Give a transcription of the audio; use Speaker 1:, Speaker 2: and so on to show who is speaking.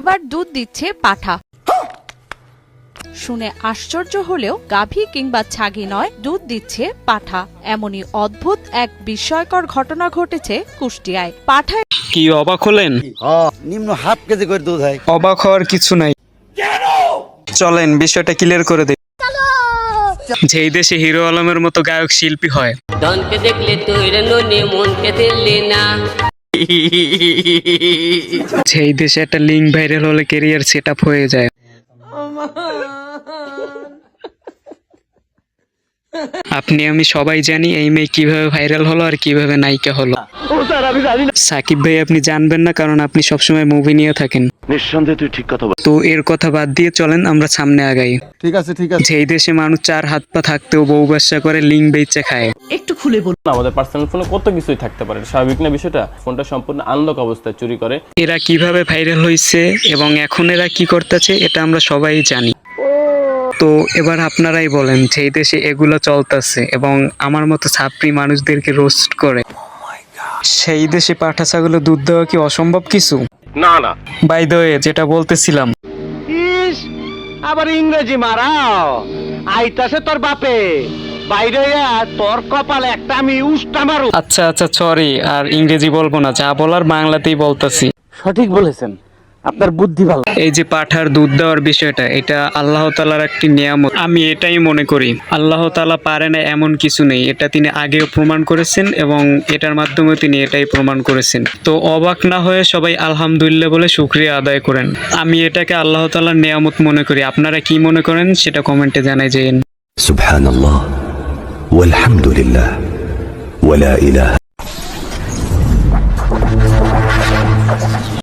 Speaker 1: এবার দুধ দিচ্ছে পাঠা। শুনে আশ্চর্য হলেও গাভী কিংবা ছাগি নয়, দুধ দিচ্ছে পাঠা। এমনই অদ্ভুত এক বিস্ময়কর ঘটনা ঘটেছে কুষ্টিয়ায়। পাঠায়
Speaker 2: কি অবাক হলেন?
Speaker 3: নিম্ন হাফ কেজি করে দুধ হয়।
Speaker 2: অবাক হওয়ার কিছু নাই, চলেন বিষয়টা ক্লিয়ার করে দেই। যেই দেশে হিরো আলমের মতো গায়ক শিল্পী হয়,
Speaker 4: ধনকে দেখলে তুই ননি মনকে দিল্লি না,
Speaker 2: সেই দেশে একটা লিঙ্ক ভাইরাল হলে ক্যারিয়ার সেট আপ হয়ে যায়। আপনি আমি সবাই জানি এই মেয়ে কিভাবে ভাইরাল হলো আর কিভাবে নায়িকা হলো। সাকিব ভাই আপনি জানবেন না, কারণ আপনি সবসময় মুভি নিয়ে থাকেন।
Speaker 5: নিঃসন্দেহে তুই ঠিক কথা বল।
Speaker 2: তো এর কথা বাদ দিয়ে চলেন আমরা সামনে আগাই।
Speaker 3: ঠিক আছে ঠিক আছে।
Speaker 2: যেই দেশে মানুষ 4 হাত পা থাকতেও বউ ব্যবসা করে, লিঙ্ক বেচা খায়।
Speaker 6: একটু খুলে বলুন। আমাদের পার্সোনাল ফোনে কত কিছুই থাকতে পারে, স্বাভাবিক না বিষয়টা? ফোনটা সম্পূর্ণ আনলক অবস্থায় চুরি করে।
Speaker 2: এরা কিভাবে ভাইরাল হয়েছে এবং এখন এরা কি করতেছে এটা আমরা সবাই জানি। তো এবার আপনারাই বলেন, যেই দেশে এগুলো চলতেছে এবং আমার মতো ছাত্রী মানুষদেরকে রোস্ট করে, সেই দেশে পাঠা ছাগলের দুধ দেওয়া কি অসম্ভব কিছু?
Speaker 5: না না,
Speaker 2: বাই দ্য ওয়ে, যেটা বলতেছিলাম,
Speaker 7: আবার ইংরেজি মারাও আইতাছে তোর বাপে বাইরে তোর কপালে একটা আমি উষ্টা মারু।
Speaker 2: আচ্ছা আচ্ছা সরি, আর ইংরেজি বলবো না, যা বলার বাংলাতেই বলতেছি।
Speaker 7: সঠিক বলেছেন, আপনার বুদ্ধি ভালো।
Speaker 2: এই যে পাঠার দুধ দেওয়ার বিষয়টা, এটা আল্লাহ তাআলার একটি নিয়ামত। আমি এটাই মনে করি, আল্লাহ তাআলা পারে না এমন কিছু নেই, এটা তিনি আগেও প্রমাণ করেছেন এবং এটার মাধ্যমে তিনি এটাই প্রমাণ করেছেন। তো অবাক না হয়ে সবাই আলহামদুলিল্লাহ বলে শুকরিয়া আদায় করেন। আমি এটাকে আল্লাহ তাআলার নিয়ামত মনে করি। আপনারা কি মনে করেন সেটা কমেন্টে জানাই যেন।
Speaker 8: সুবহানাল্লাহ ওয়ালহামদুলিল্লাহ ওয়ালা ইলাহা